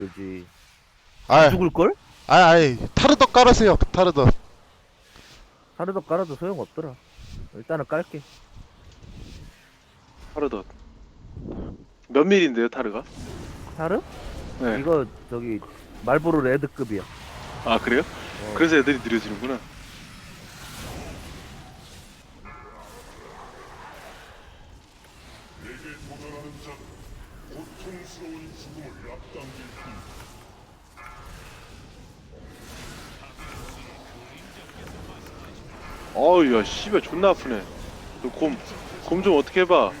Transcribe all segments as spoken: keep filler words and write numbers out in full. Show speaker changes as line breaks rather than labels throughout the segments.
그지.
아,
죽을걸?
아, 아이, 타르덕 깔으세요, 타르덕.
하루도 깔아도 소용없더라. 일단은 깔게.
타르덧 몇 밀인데요 타르가?
타르?
네.
이거 저기 말보로 레드급이야.
아 그래요?
어.
그래서 애들이 느려지는구나. 어우 야 씨발 존나 아프네. 곰 곰 좀 어떻게 해봐.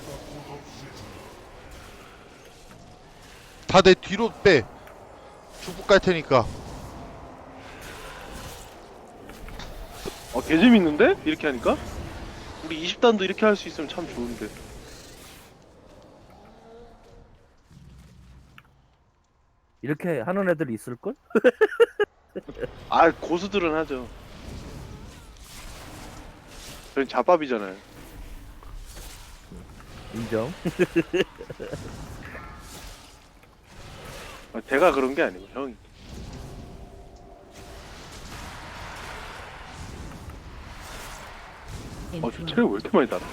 다 내 뒤로 빼. 죽국 깔 테니까.
어 개재밌는데? 이렇게 하니까? 우리 이십 단도 이렇게 할 수 있으면 참 좋은데.
이렇게 하는 애들이 있을걸?
아 고수들은 하죠. 저희 잡밥이잖아요.
인정.
아, 내가 그런 게 아니고 형이. 어, 저 체력 왜 이렇게 많이 달아?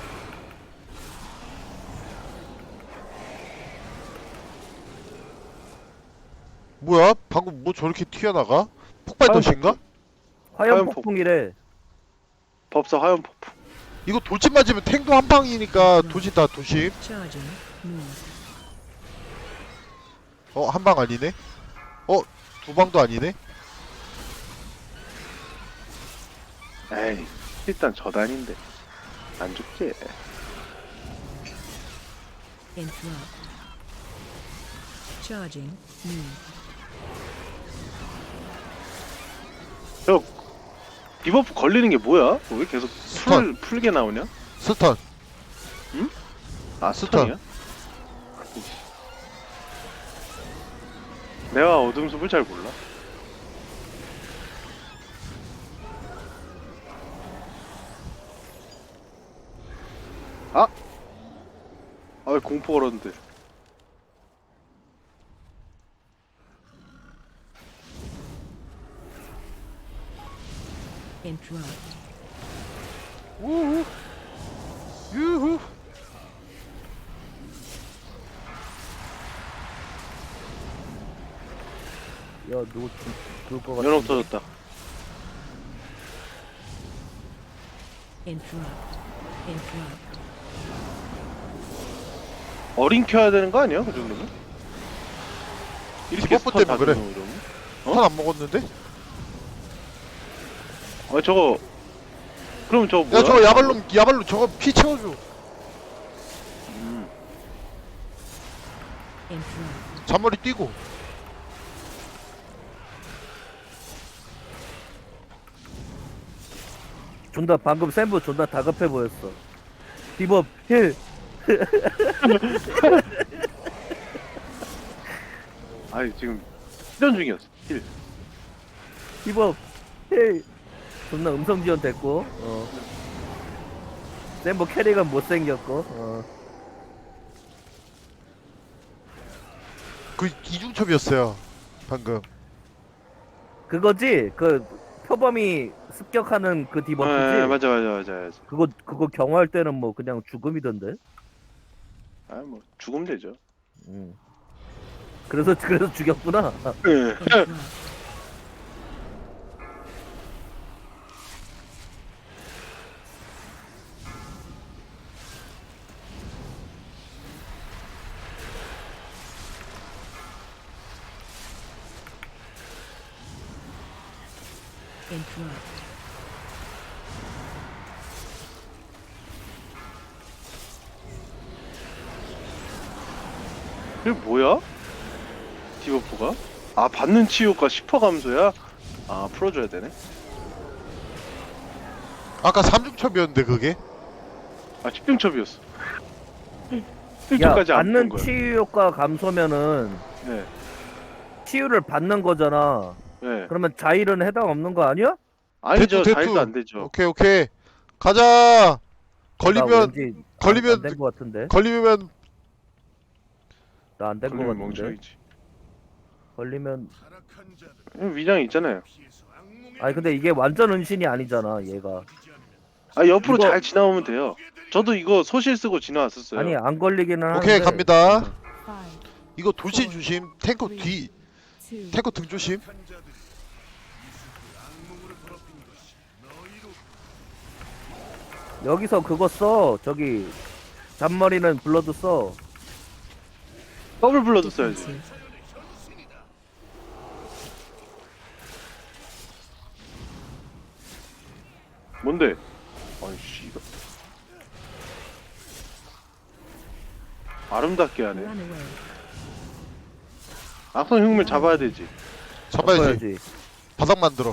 뭐야? 방금 뭐 저렇게 튀어나가? 폭발
화염
덫인가?
화염
화염
폭풍이래.
법사 화염 폭풍.
이거 돌진 맞으면 탱도 한 방이니까 도진 다 도심.
Charging. Move.
어, 한 방 아니네? 어, 두 방도 아니네?
에이, 일단 저단인데 안 죽지.
Interrupt. Charging. Move.
저 디버프 걸리는 게 뭐야? 왜 계속 풀
스턴.
풀게 나오냐?
스턴.
아
스턴.
스턴이야? 내가 어둠숲을 잘 몰라. 아! 아 왜 공포 걸었는데?
Interrupt.
우후. 유후.
야, 누구 죽- 죽을 것 같아.
연옥 터졌다.
Interrupt. Interrupt.
어린 켜야 되는 거 아니야? 그 정도면? 이렇게
디버프
스턴 다
때문에 그래.
주는 거 그러면?
스턴 안 먹었는데?
아 저거 그럼 저거 뭐야?
야, 저거 야발로, 야발로 저거 피 채워줘.
음.
Interrupt.
잔머리 뛰고.
존나 방금 샘부 존나 다급해 보였어. 디법 힐.
아니 지금 시전 중이었어. 힐.
디법 힐. 존나 음성 지원 됐고. 어. 샘부 캐릭은 못생겼고. 어.
그 이중첩이었어요. 방금.
그거지? 그 표범이 습격하는 그 디버프지?
네, 맞아 맞아 맞아 맞아.
그거 그거 경화할 때는 뭐 그냥 죽음이던데.
아뭐 죽으면 되죠.
음. 그래서 그래서 죽였구나.
네.
Interrupt. Interrupt.
그게 뭐야? 디버프가? 아 받는 치유가 십 퍼센트 감소야? 아 풀어줘야 되네.
아까 삼중첩이었는데 그게?
아 집중첩이었어.
야,
집중까지 안
받는
본 거야.
치유 효과 감소면은
네,
치유를 받는 거잖아.
네.
그러면 자일은 해당 없는 거 아니야?
아니죠.
대투,
자일도
대투.
안 되죠.
오케이, 오케이. 가자! 걸리면, 걸리면-
안된 거 같은데.
걸리면,
나 안 된 거
걸리면
같은데.
멍청이지.
걸리면
음, 위장이 있잖아요.
아니 근데 이게 완전 은신이 아니잖아 얘가.
아 옆으로
이거-
잘 지나오면 돼요. 저도 이거 소실 쓰고 지나왔었어요.
아니 안 걸리기는 하는데.
오케이 갑니다.
Five,
이거 돌진 조심. 탱커 뒤
two,
탱커 등 조심.
여기서 그거 써. 저기 잔머리는 블러드 써.
더블 블러드 써야지.
defensive.
뭔데? 아이씨 이거 아름답게 하네.
Run away.
악성 흉물 잡아야 되지.
잡아야지.
써야지.
바닥 만들어.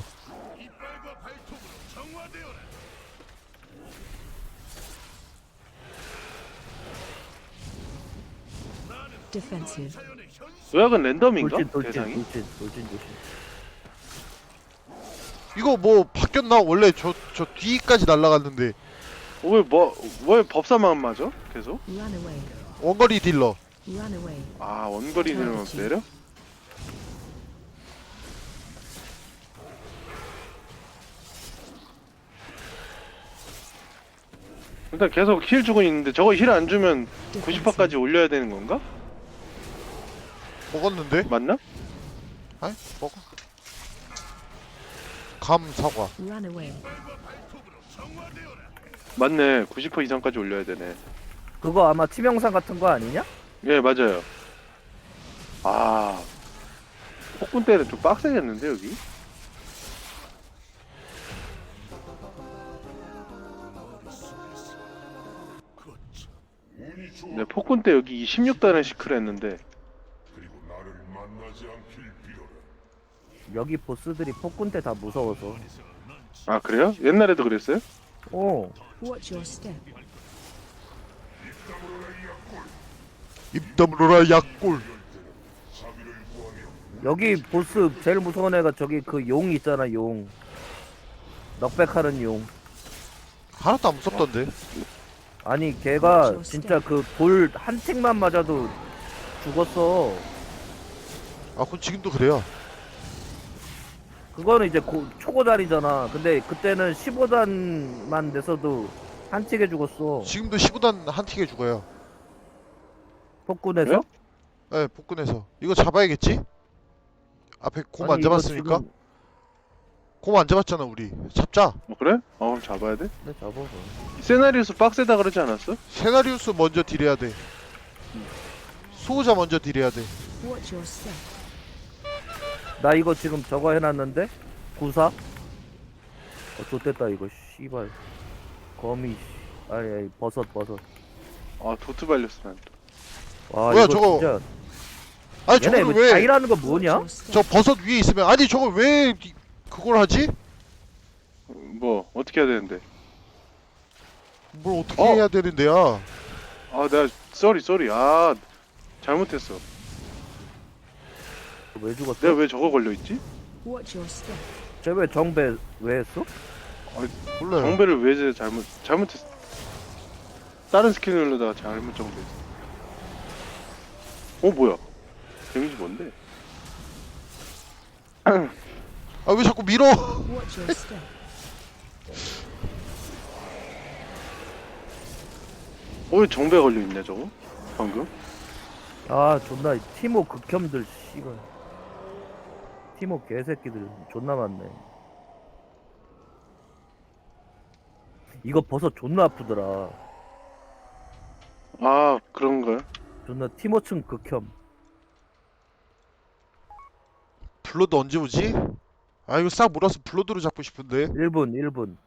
Defensive.
요약은 랜덤인가?
돌진 돌진
대상이?
돌진 돌진 조심.
이거 뭐 바뀌었나? 원래 저 저 뒤까지 날아갔는데
왜뭐왜 법사만 맞아? 계속?
Run away.
원거리 딜러.
Run away.
아 원거리 들면 내려? 일단 계속 힐 주고 있는데 저거 힐 안 주면 구십 퍼센트까지 올려야 되는 건가?
먹었는데?
맞나?
아이 먹어. 감 사과.
Run away.
맞네. 구십 퍼센트 이상까지 올려야 되네.
그거 아마 치명상 같은 거 아니냐?
예 맞아요. 아 폭군 때는 좀 빡세겠는데 여기? 네 폭군 때 여기 십육 단을 시크를 했는데
여기 보스들이 폭군 때 다 무서워서.
아 그래요? 옛날에도 그랬어요?
어.
Watch your step.
입 다물어라 약골.
여기 보스 제일 무서운 애가 저기 그 용 있잖아 용. 넉백하는 용.
하나도 안 무섭던데.
아니 걔가 진짜 그 돌 한 틱만 맞아도 죽었어.
아 그건 지금도 그래요.
그거는 이제 고, 초고단이잖아. 근데 그때는 십오 단만 돼서도 한 틱에 죽었어.
지금도 십오 단 한 틱에 죽어요.
폭군에서?
왜요?
예, 복근에서. 이거 잡아야겠지? 앞에 곰 안
아니, 이거
잡았으니까?
지금-
곰 안 잡았잖아 우리. 잡자.
어 그래? 어 그럼 잡아야 돼?
네, 잡아.
세나리오스 빡세다 그러지 않았어?
세나리우스 먼저 딜해야 돼. 수호자 먼저 딜해야 돼.
Watch your step.
나 이거 지금 저거 해놨는데? 구사? 어, 좋됐다 이거 씨발. 거미 씨. 아니, 아니 버섯 버섯.
아 도트 발렸어 난 또.
와
뭐야,
이거
저거.
진짜.
아니
얘네
저걸
왜
왜
자이라는 거
Watch
뭐냐?
your step.
저 버섯 위에 있으면 아니 저걸 왜 이- 그걸 하지?
뭐 어떻게 해야 되는데?
뭘 어떻게
어.
해야 되는데야?
아 내가 쏘리 쏘리 아 잘못했어.
왜 죽었어?
내가 왜 저거 걸려 있지?
Watch your step.
쟤왜 정배 왜 했어?
몰라요.
정배를 왜 제- 잘못 잘못했어? 다른 스킬 누르다가 잘못 정배했어. 어 뭐야? 데미지 뭔데?
아 왜 자꾸 밀어?
Watch your step.
어 왜 정배 걸려 있네 저거? 방금?
아 존나 티모 극혐들 씨발. 티모 개새끼들 존나 많네. 이거 버섯 존나 아프더라.
아 그런가요?
존나 티모층 극혐.
블러드 언제 오지? 아 이거 싹 몰아서 블러드로 잡고 싶은데
일 분 일 분.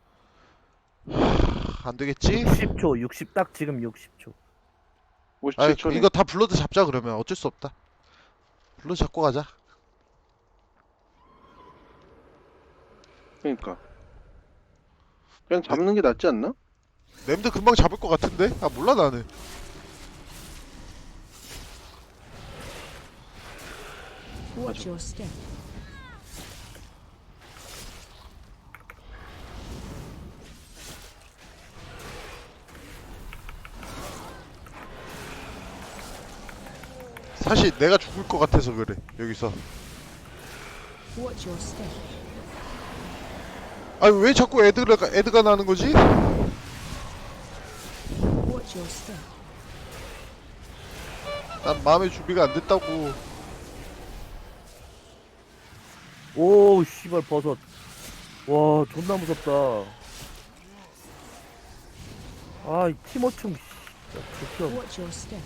안 되겠지?
육십 초 육십 딱 지금 육십 초.
아
오십칠 초네.
이거 다 블러드 잡자 그러면 어쩔 수 없다. 블러드 잡고 가자.
그러니까 그냥 잡는 게 낫지 않나?
램드 금방 잡을 것 같은데? 아 몰라 나는.
Watch your step.
사실 내가 죽을 것 같아서 그래 여기서.
Watch your step.
아니 왜 자꾸 애드가 애드가 나는 거지?
Watch your step.
난 마음의 준비가 안 됐다고.
오 씨발 버섯. 와 존나 무섭다. 아이 티모충 씨. 극혐.
Watch your step.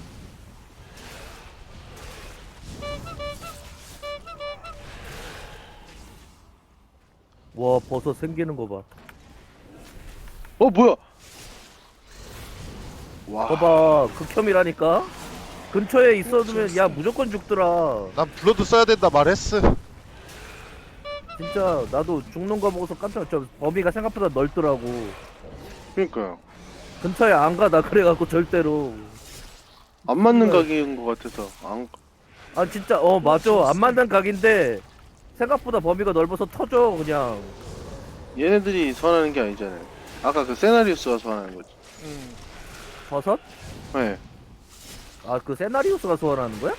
와 버섯 생기는 거 봐.
어 뭐야? 와.
봐봐 극혐이라니까. 근처에 있어두면 야 무조건 죽더라.
난 블러드 써야 된다 말했어.
진짜 나도 죽는 거 보고서 깜짝 저 범위가 생각보다 넓더라고.
그러니까요.
근처에 안 가 나 그래갖고 절대로.
안 맞는
그래.
가게인 것 같아서 안.
아 진짜 어 맞아 안 맞는 각인데 생각보다 범위가 넓어서 터져 그냥.
얘네들이 소환하는 게 아니잖아요. 아까 그 세나리우스가 소환하는 거지.
음.
버섯?
네.
아 그 세나리우스가 소환하는 거야?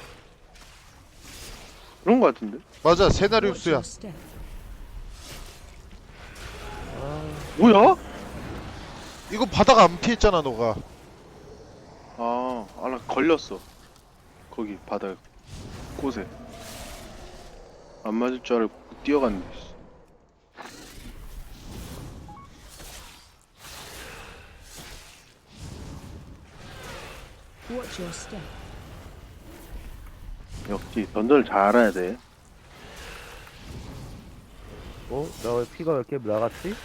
그런 거 같은데.
맞아
Watch
세나리우스야.
your step.
뭐야?
이거 바다가 안 피했잖아 너가.
아, 아, 나 걸렸어. 거기 바다 곳에. 안 맞을 줄 알고 뛰어갔네. 씨.
Watch your step.
역시 던전을 잘 알아야 돼.
어? 나 왜 피가 왜 이렇게 나갔지?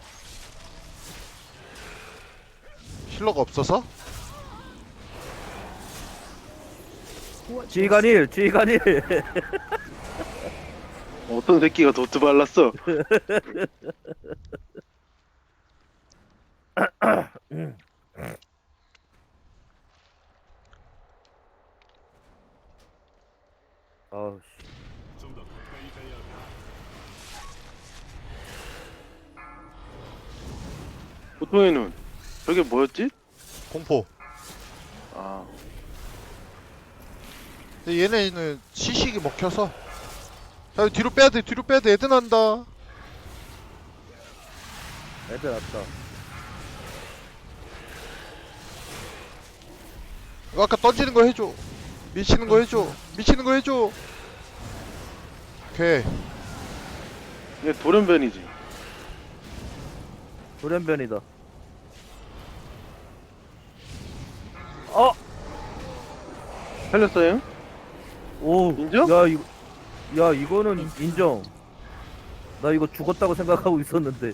힐러가 없어서?
Watch your step.
지휘관일 지휘관일.
어떤 새끼가 도트 발랐어?
아우 씨.
보통의 눈. 저게 뭐였지?
공포.
아,
근데 얘네는 시식이 먹혀서. 야 뒤로 빼야돼 뒤로 빼야돼 애드 난다.
애들 왔다.
이거 아까 던지는 거 해줘. 미치는 거 해줘. 미치는 거 해줘. 오케이.
이게 돌연변이지.
돌연변이다. 어!
살렸어요?
오!
인정?
야 이거 야 이거는 인정. 나 이거 죽었다고 생각하고 있었는데.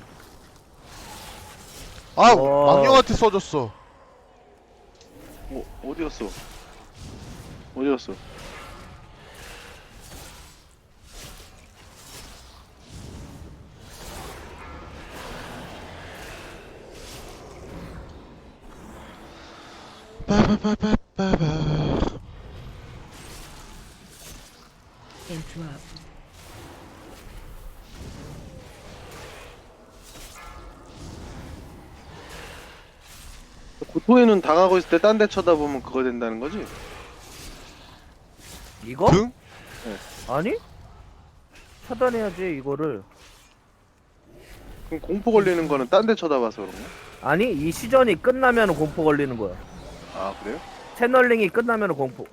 아
와.
악령한테 써줬어.
어, 어디 갔어? 어디 갔어?
빠바바바바바.
Interrupt.
고토에는 당하고 있을 때 딴 데 쳐다보면 그거 된다는 거지?
이거?
등?
아니? 차단해야지 이거를.
그럼 공포 걸리는 거는 딴 데 쳐다봐서 그런가?
아니 이 시전이 끝나면 공포 걸리는 거야.
아, 그래요?
채널링이 끝나면 공포.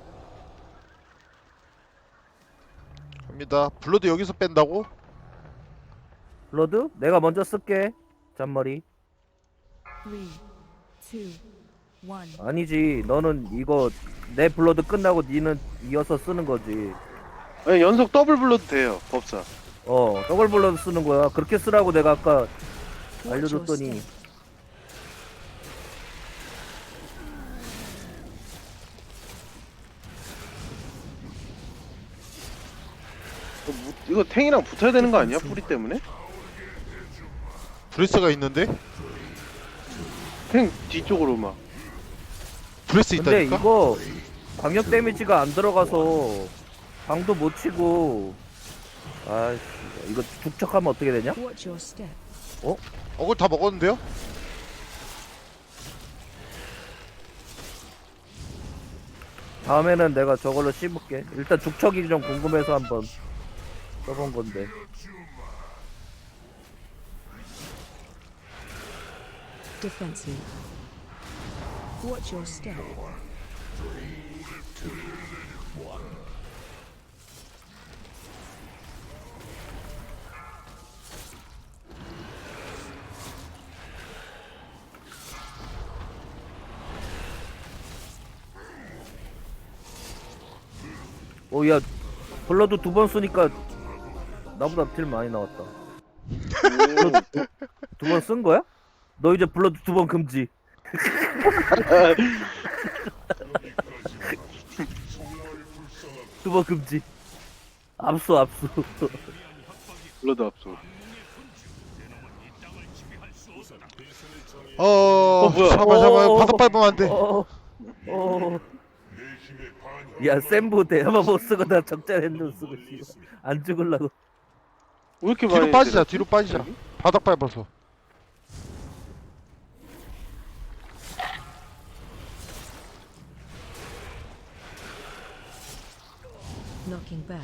갑니다. 블러드 여기서 뺀다고?
블러드? 내가 먼저 쓸게. 잔머리.
Three, two, one.
아니지. 너는 이거 내 블러드 끝나고 니는 이어서 쓰는 거지.
아니, 연속 더블 불러도 돼요, 법사.
어, 더블 블러드 쓰는 거야. 그렇게 쓰라고 내가 아까
Watch your
알려줬더니.
step.
이거, 무- 이거 탱이랑 붙어야 되는 거 아니야? 뿌리 때문에?
브레스가 있는데?
탱 뒤쪽으로 막.
브레스
근데
있다니까?
이거 광역 데미지가 안 들어가서 방도 못 치고. 아이씨, 이거 죽척하면 어떻게 되냐?
Watch your step.
어글 다 먹었는데요?
다음에는 내가 저걸로 씹을게. 일단 죽척이 좀 궁금해서 한번. 써본 건데.
Defensive. Watch your step.
오, 야, 블러드 두 번 쓰니까 나보다 딜 많이 나왔다. 두 번 쓴 거야? 너 이제 블러드 두 번 금지. 두 번 금지. 압수, 압수.
블러드 압수.
어,
어, 뭐야?
잠깐만 잠깐만
어,
바닥 밟으면 안돼.
어, 어. 야, 센부 대야마 못 쓰고 나 적자 핸드 쓰고 씨발. 안 죽을라고.
왜 이렇게
뒤로
많이
빠지자
때렸지?
뒤로 빠지자. 바닥 밟아서.
Knocking back.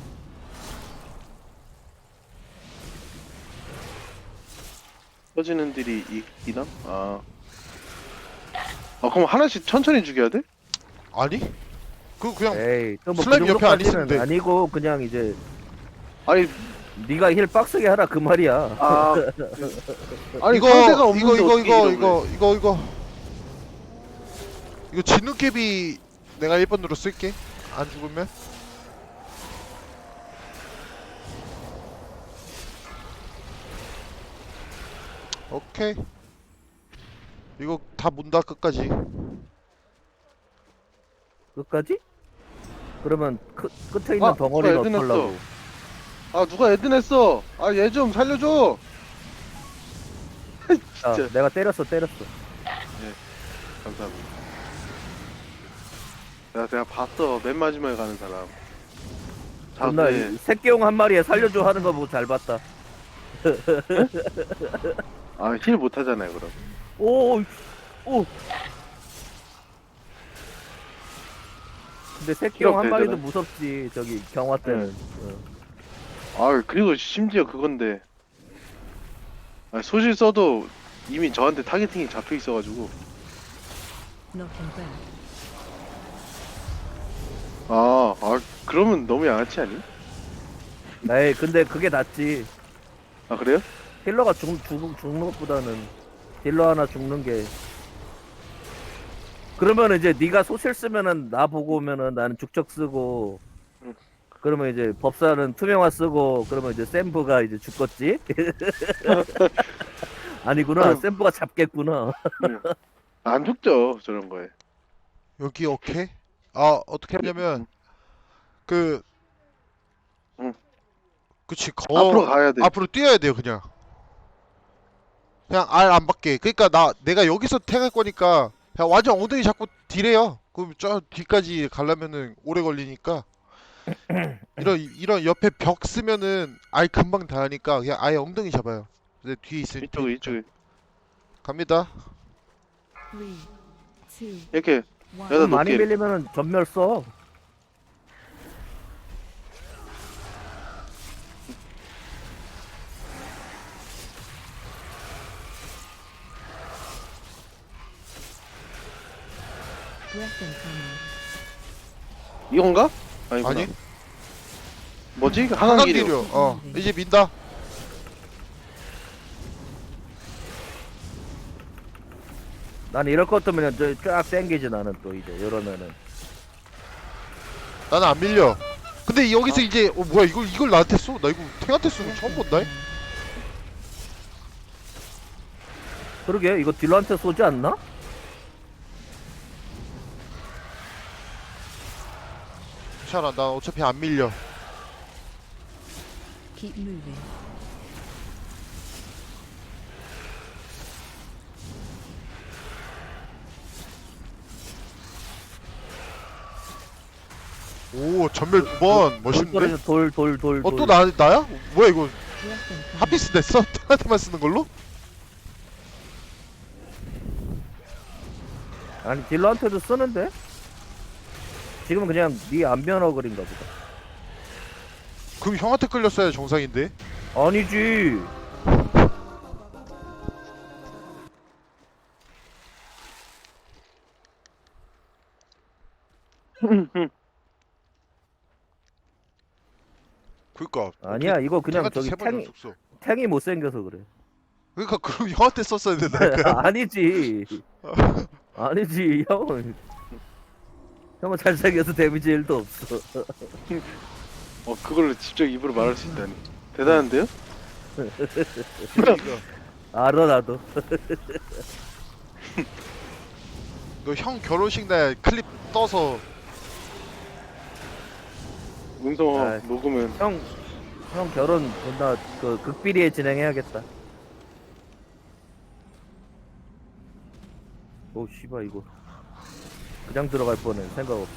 터지는 딜이 이, 이나? 아. 아 그럼 하나씩 천천히 죽여야 돼?
아니? 그 그냥
에이, 또뭐
슬라임 옆에 안 있으면 돼.
아니고 그냥 이제
아니
네가 힐 빡세게 하라 그 말이야.
아 아니
이거
상대가
이거
없는데
이거
어떻게
이거
이러고
이거 이거 이거 이거 진눈깨비 내가 일 번으로 쓸게. 안 죽으면. 오케이. 이거 다 문다 끝까지.
끝까지? 그러면 크, 끝에 있는
아,
덩어리를
누가 애드냈어.
어떡하려고?
아 누가 애드냈어 아 얘 좀 살려줘
아,
진짜
내가 때렸어, 때렸어.
감사합니다 내가 내가 봤어 맨 마지막에 가는 사람 자
존나
네.
새끼용 한 마리에 살려줘 하는 거 보고 잘 봤다.
아힐 못하잖아요 그럼
오, 오. 근데 새끼용 한
필요
마리도
없대잖아.
무섭지. 저기 경화 때는. 어.
아 그리고 심지어 그건데 아, 소실 써도 이미 저한테 타겟팅이 잡혀 있어가지고
Knocking back.
아, 아 그러면 너무 양아치 아니?
에이, 근데 그게 낫지.
아 그래요?
힐러가 죽, 죽, 죽는 것보다는 딜러 하나 죽는 게. 그러면 이제 네가 소실 쓰면은 나 보고 오면은 나는 죽적 쓰고,
응.
그러면 이제 법사는 투명화 쓰고, 그러면 이제 샘브가 이제 죽겠지? 아니구나.
응.
샘브가 잡겠구나.
안 죽죠 저런 거에
여기 오케이. 아 어떻게 하냐면 그
응.
그치 거
앞으로 가야 돼
앞으로 뛰어야 돼요 그냥. 그냥 알 안 받게. 그러니까 나 내가 여기서 택할 거니까 그냥 완전 엉덩이 잡고 딜해요. 그럼 저 뒤까지 가려면은 오래 걸리니까. 이런 이런 옆에 벽 쓰면은 아예 금방 다 하니까 그냥 아예 엉덩이 잡아요. 내 뒤에 있을 때
이쪽에 이쪽에
갑니다.
Three, two,
이렇게
one.
여기다
많이
놓게
밀리면은 전멸 써.
Breath incoming.
이건가? 아니구나.
아니
뭐지?
한강길이요.
한강길이요
어 이제 민다.
난 이럴 것 같으면 저쫙 땡기지 나는 또 이제 이러면은.
나는 안 밀려. 근데 여기서 이제 어 뭐야 이걸 이걸 나한테 쏘? 나 이거 탱한테 쏘는 거 처음 본다.
그러게 이거 딜러한테 쏘지 않나?
괜찮아 나 어차피 안 밀려.
Keep moving.
오 전멸 두 번 멋있는데?
돌돌돌 돌.
어 또 나 나야? 뭐야 이거
Breath incoming.
하피스 냈어? 탱한테만 쓰는 걸로?
아니 딜러한테도 쓰는데? 지금은 그냥 네 안면어 그린가 보다.
그럼 형한테 끌렸어야 정상인데.
아니지.
그니까
아니야 이거 그냥
탱한테
저기
세번
탱이
연속 써.
탱이 못생겨서 그래.
그러니까 그럼 형한테 썼어야 된다니까.
아니지. 아니지 형은 형은 잘생겨서 데미지 일도 없어.
어 그걸로 직접 입으로 말할 수 있다니 대단한데요?
알아 나도.
너 형 결혼식 날 클립 떠서
음성
아이.
녹으면
형, 형 결혼 존나 그 극비리에 진행해야겠다. 오 씨발 이거 그냥 들어갈 뻔해 생각 없이.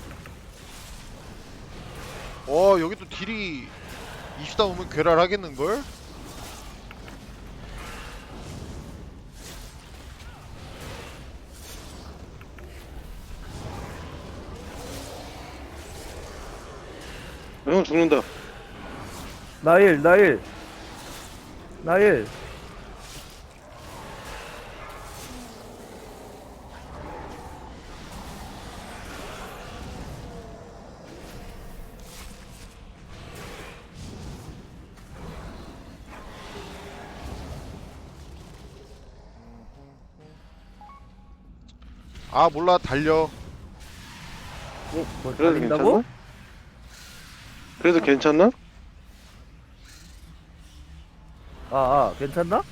어 여기 또 딜이 이십 단 오면 괴랄하겠는걸?
형 죽는다.
나일 나일 나일.
아 몰라 달려.
어?
뭐
그래도
달린다고?
괜찮나? 그래도 괜찮나?
아, 아 괜찮나?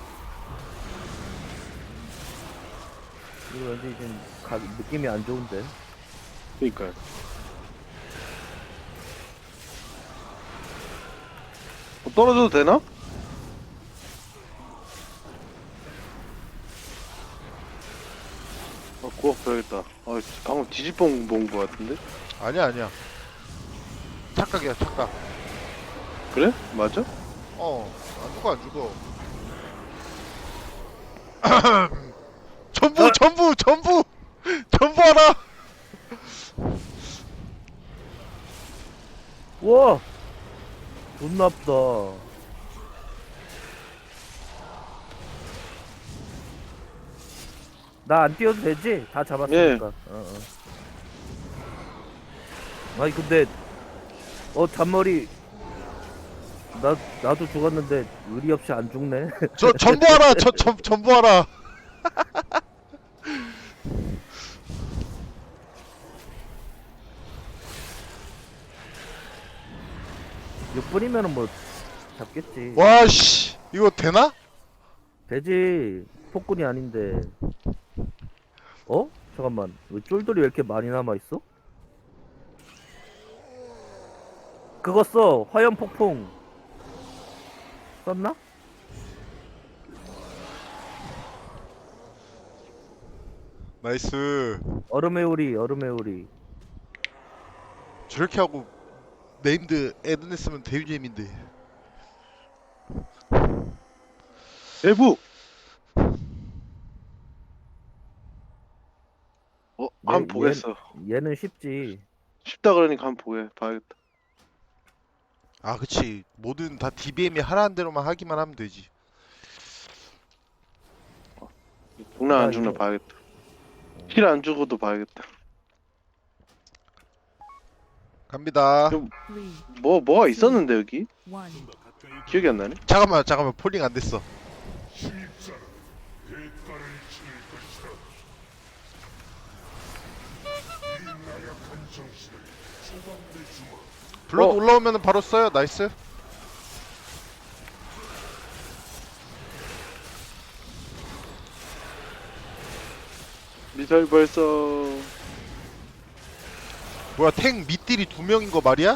이거 왠지 좀 가, 느낌이 안 좋은데.
그니까요. 어, 떨어져도 되나? 어, 구워 버려야겠다. 아, 방금 뒤집어 본거 같은데?
아니야 아니야. 착각이야 착각.
그래? 맞아?
어안 죽어 안 죽어. 전부 전부 전부 전부 하라.
우와 존나 아프다. 나 안 뛰어도 되지? 다 잡았으니까. 어, 어. 아니 근데 어 잔머리 나 나도 죽었는데 의리 없이 안 죽네.
저 전부 하라. 저 전, 전부 하라.
육 분이면은 뭐 잡겠지.
와씨 이거 되나?
되지. 폭군이 아닌데. 어? 잠깐만. 왜 쫄돌이 왜 이렇게 많이 남아 있어? 그거 써. 화염 폭풍. 썼나?
나이스.
얼음의 우리, 얼음의 우리.
저렇게 하고 네임드 에드냈으면 대유잼인데.
대부! 어, 한번
얘-
보겠어.
얘는 쉽지.
쉽다 그러니까 한번 보게, 봐야겠다.
아 그치 뭐든 다 디비엠이 하라는 대로만 하기만 하면 되지.
죽나
아,
안 죽나
이거-
봐야겠다. 힐 안 주고도 봐야겠다.
갑니다.
좀-
Three,
뭐, 뭐가 있었는데, 여기?
one.
기억이 안 나네?
잠깐만 잠깐만 폴링 안 됐어. 블러드
어.
올라오면 바로 써요. 나이스.
미사일 발사.
뭐야 탱 밑딜이 두 명인 거 말이야?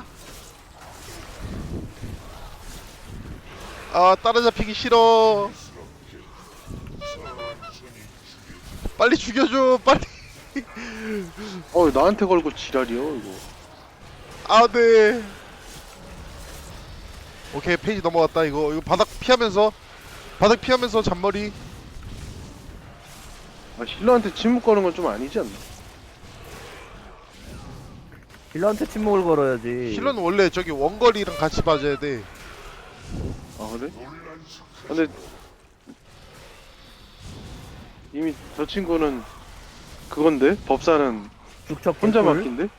아 따라잡히기 싫어. 빨리 죽여줘 빨리.
어, 왜 나한테 걸고 지랄이요, 이거.
아 네. 오케이 페이지 넘어갔다. 이거 이거 바닥 피하면서 바닥 피하면서 잔머리.
아, 힐러한테 침묵 거는 건 좀 아니지 않나?
힐러한테 침묵을 걸어야지.
힐러는 원래 저기 원거리랑 같이 맞아야 돼.
아 그래? 근데 이미 저 친구는 그건데 법사는
죽척
혼자
개꿀.
맡긴데?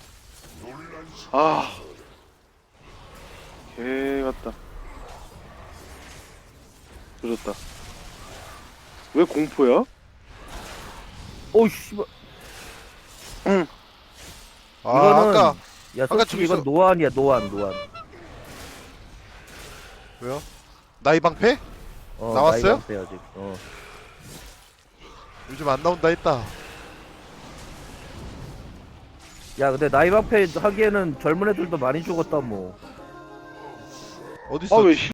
아, 개 같다. 조졌다. 왜 공포야?
오우 씨발.
아
이거는
아까
야
아까
솔직히 이건
저기서-
노안이야 노안 노안.
왜요? 나이 방패?
어,
나왔어요?
나이가 안 돼, 아직. 어.
요즘 안 나온다 했다.
야 근데 나이방패 하기에는 젊은 애들도 많이 죽었다 뭐.
어딨어?
아 왜